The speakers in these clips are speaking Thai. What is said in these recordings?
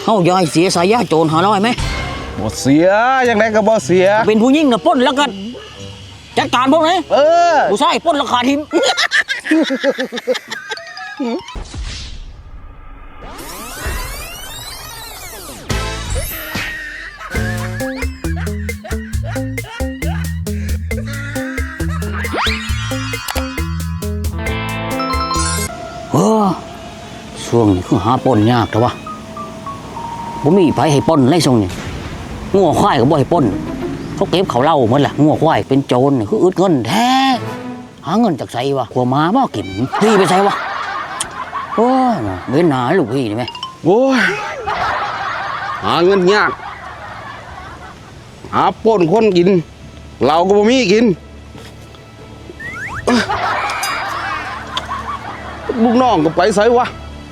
เขาย่อยเสียสายยาโจร500ไหมบ่เสียยังไงก็บ่เสียเป็นผู้หญิงน่ะปล้นแล้วกันจัดการพวกนี้ผู้ชายปล้นราคาทิมช่วงนี้คือหาปล้นยากแต่ว่าผมมีไผให้ปล้นไล่ทรงนี่งัวควายก็บ่ให้ปล้นเขาเก็บเขาเล่าหมดแหละงัวควายเป็นโจรคืออึดเงินแท้หาเงินจากไสวะขัวม้าบ่กินพี่ไปไสวะโอ้ยเว้นหนาลูกพี่นี่ไหมโอ้ยหาเงินยากหาปล้นคนกินเราก็บ่มีกินลูกน้องก็ไปไสวะ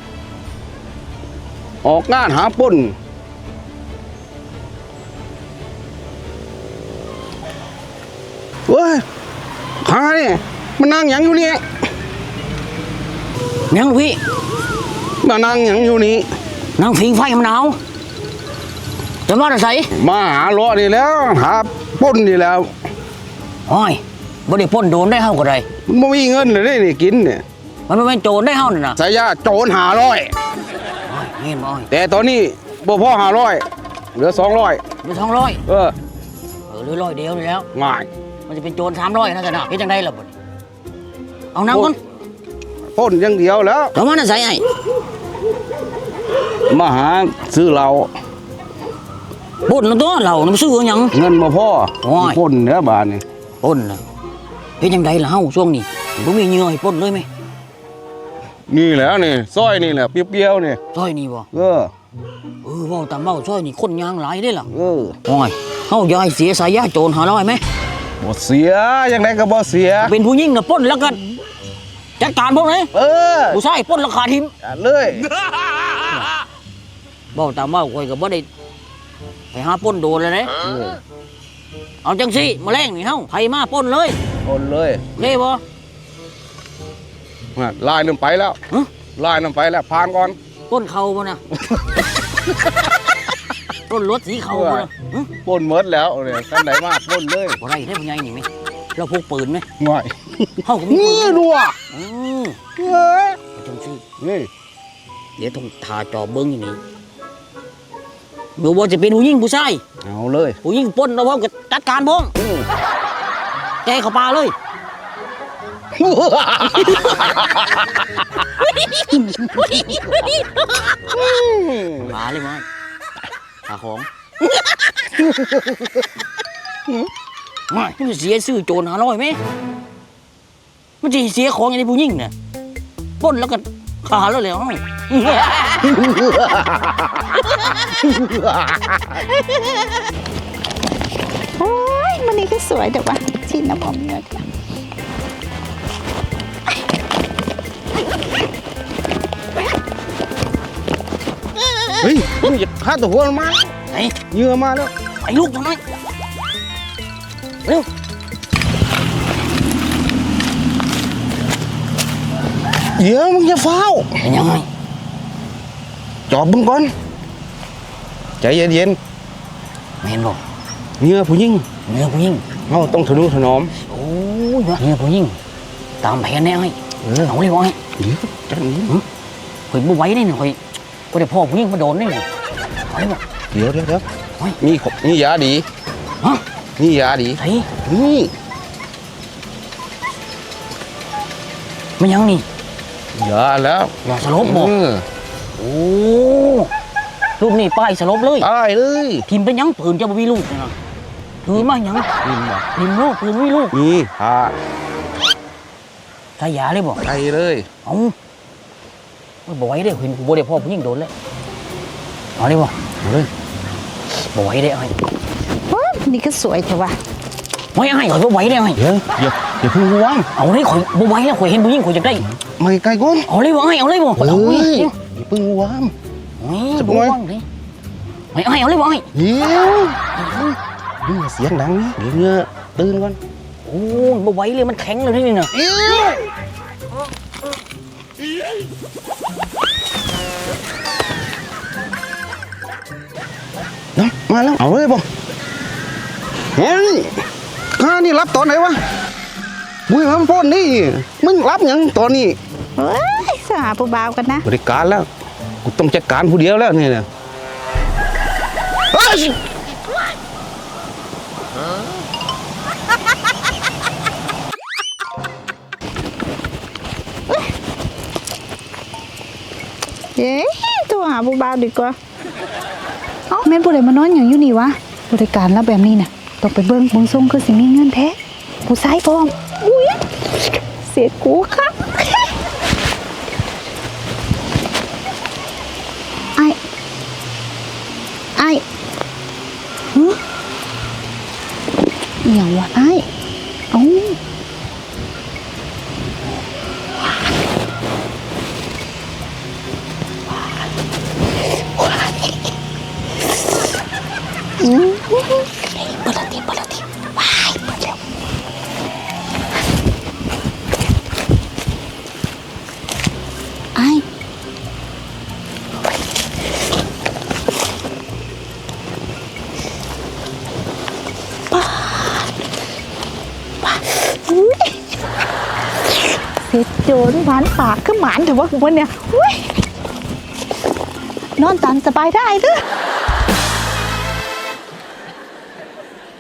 ออกงานหาปล้นเว้ยข้าเนี่ยมานั่งหยังอยู่นี่ยังลูกพี่มานั่งหยังอยู่นี่นั่งผิงไฟมันหนาวจะมาได้ไสมาหาล้อนี่แล้วหาปล้นนี่แล้วโอ้ยบ่ได้ปล้นโดนได้เฮาก็ได้มันบ่มีเงินเลยนี่กินเนี่ยมันเป็นโจรได้เฮานี่นะสายยาโจร500 เห็นบ่แต่ตอนนี้บ่พอ500เหลือ200 เหลือ200เหลือ100เดียวนี่แล้วง่ายมันจะเป็นโจร300นะจ๊ะนะเฮ็ดจังได๋ล่ะบ่เอาน้ำก่อนปล้นอย่างเดียวแล้วจะมาได้ไสไอ้มาหาซื้อเหล้าปล้นแล้วตัวเหล้ามันซื้อหยังเงินบ่พอปล้นเด้อบาดนี่ปล้นน่ะเฮ็ดจังได๋ล่ะเฮาช่วงนี้บ่มีเหงื่อให้ปล้นเลยมั้ยนี่แหละนี่ซอยนี่แหละเปรี้ยวๆนี่ซอยนี่บ่เว้าตามเว้าซอยนี่คนยางหลายเด้ล่ะโอ้ยเฮาย่อยเสียสายยาโจร500มั้ยบ่เสียยังไงก็บ่เสียเป็นผู้หญิงน่ะปล้นแล้วกันจัดการพวกนี้ผู้ชายปล้นราคาทิมเลยเว้าตามเว้าข่อยก็บ่ได้ไปหาปล้นโดนเลยนะเอาจังซี่มื้อแลงนี่เฮาไผมาปล้นเลยปล้นเลยเด้บ่ลายนึงไปแล้วลายนึงไปแล้วผ่านก่อนต้นเขาบ่นะต้นรถสีเขาบ่นะปล้นหมดแล้วเนี่ยคันไหนมาปล้นเลยบ่ได้ได้ผู้ใหญ่นี่มั้ยเราพกปืนมั้ยง่ายเฮาก็มีนี่ดูอ่ะจังซี่นี่เดี๋ยวต้องทาจอเบิ่งนี่บ่ว่าจะเป็นผู้หญิงผู้ชายเอาเลยผู้หญิงปล้นเอาพร้อมกับจัดการพร้อมแกเข้าป่าเลยมาเลยมั้ยหาของมามันจะเสียซื้อโจร500ไหมมันจะเสียของอย่างนี้ผู้หญิงเนี่ยปล้นแล้วก็ขาแล้วเลยโอ้ยมันนี่ก็สวยแต่ว่าชิ้นน้ำหอมเนื้อเฮ้ยมึงอย่าฆ่าตัวหัวมาไหนเยื่อมาแล้วไอ้ลูกทำไมเร็วเดี๋ยวมึงอย่าเฝ้าเป็นยังไงจอบมึงก่อนใจเย็นๆไม่เห็นหรอกเยื่อผู้หญิงเราต้องทะนุถนอมโอ้ยเยื่อผู้หญิงตามแผนแน่ไอ้เอาเลยบอยเดี๋ยวจังนี้ข่อยบ่ไหวนี่ข่อยก็ได้พ่อผู้หญิงมาโดนนี่เอาเลยบ่เดี๋ยวนี่ยาดีฮะนี่ยาดีไอ้นี่มันยังนี่ยาแล้วยาสลบบ่โอ้รูปนี่ป้ายสลบเลยป้ายเลยพิมพ์เป็นยังปืนจะบ่มีลูกนะถือมายังพิมพ์ลูกปืนมีลูกนี่ใส่ยาเลยบ่ใส่เลยเอาบ่ไหวเด้เห็นกูบ่ได้พ่อผู้หญิงโดนแล้วเอาเลยบ่เอาเลยบ่ไหวได้ไอ้นี่ก็สวยแต่ว่าไม่ไอ้ข่อยบ่ไหวได้ไอ้อย่าพึ่งวางเอาเลยข่อยบ่ไหวแล้วข่อยเห็นผู้หญิงข่อยจะได้ไม่ไกลก้นเอาเลยบ่ไอ้เอาเลยบ่เอาเลยอย่าพึ่งวางจะบ่วางดิไม่ไอ้เอาเลยบ่ไอ้เดี๋ยวมึงเสียงดังนะเดี๋ยวเงือตื่นก่อนโอ้บ่ไหวเลยมันแข็งเลยนี่น่ะนะมาแล้วเอาเลยบ่เฮ้ยข้านี่รับตอนไหนวะบุ้ยมันป้นนี่มึงรับยังตอนนี้เฮ้ยสหาผู้บ่าวกันนะบริการแล้วกูต้องจัดการผู้เดียวแล้วนี่นะเฮ้ยเย้ตัวหาผู้บ่าวดีกว่าเอ้าแม่นผู้ใดมานอนอย่างอยู่นี่วะบริการแล้วแบบนี้น่ะต้องไปเบิ่งทรงคือสิมีเงินแท้ผู้ชายพร้อมอุ้ยเสียกูครับไอ้หึอหย่างวะไอ้เอ้าเปิดละทีว้ายเปิดแล้วไอ้อุ๊ยเสร็จโจรหวานปากก็หมานแต่ว่าวันเนี่ยอุ๊ยนอนตามสบายได้เด้อ